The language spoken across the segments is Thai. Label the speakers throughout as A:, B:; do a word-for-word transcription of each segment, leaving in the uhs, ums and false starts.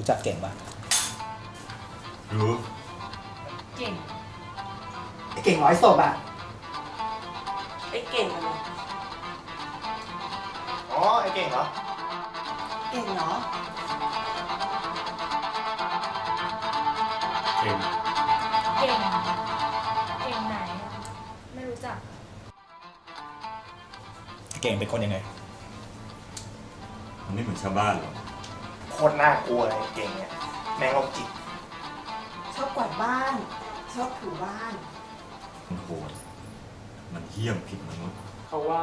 A: รู้จักเก่งปะ
B: รู้
C: เก่ง
D: ไอ้เก่งร้อยศพอ่ะ
E: ไอ้เก่งอะไร
F: อ๋อไอ้เก่งเหรอ
E: เก่งเหรอ
B: เก่ง
C: เก่ง เก่งไหน ไม่รู้จัก
A: เก่งเป็นคนยังไง
B: มันไม่เหมือนชาวบ้านหรอก
F: โคตรน่ากลัวเลยไอ้เก่งเนี่ยแม่งโรคจิต
E: ชอบกวาดบ้าน ชอบถูบ้าน
B: มันโหดมันเหี้ยมผิดมนุษย์
G: เขาว่า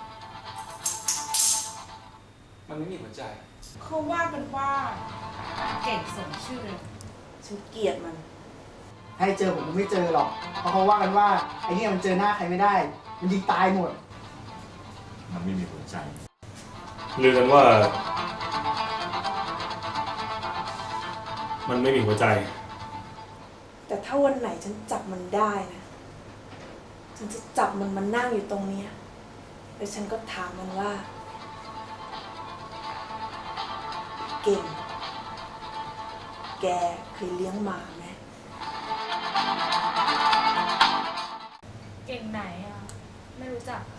G: มันไม่มีหัวใจ
C: เขาว่ากันว่า เก่งสมชื่อเลย
E: ฉันเกลียดมัน
D: ให้เจอผมก็ไม่เจอหรอก เพราะเขาว่ากันว่าไอ้เนี่ยมันเจอหน้าใครไม่ได้ มันยิงตายหมด
B: มันไม่มีหัวใจ
H: ลือกันว่า มันไม่มีหัวใจ
E: แต่ถ้าวันไหนฉันจับมันได้นะ ฉันจะจับมันมานั่งอยู่ตรงเนี้ยแล้วฉันก็ถามมันว่า เก่ง แกเคยเลี้ยงหมาไหม
C: เก่งไหนอ่ะ ไม่รู้จัก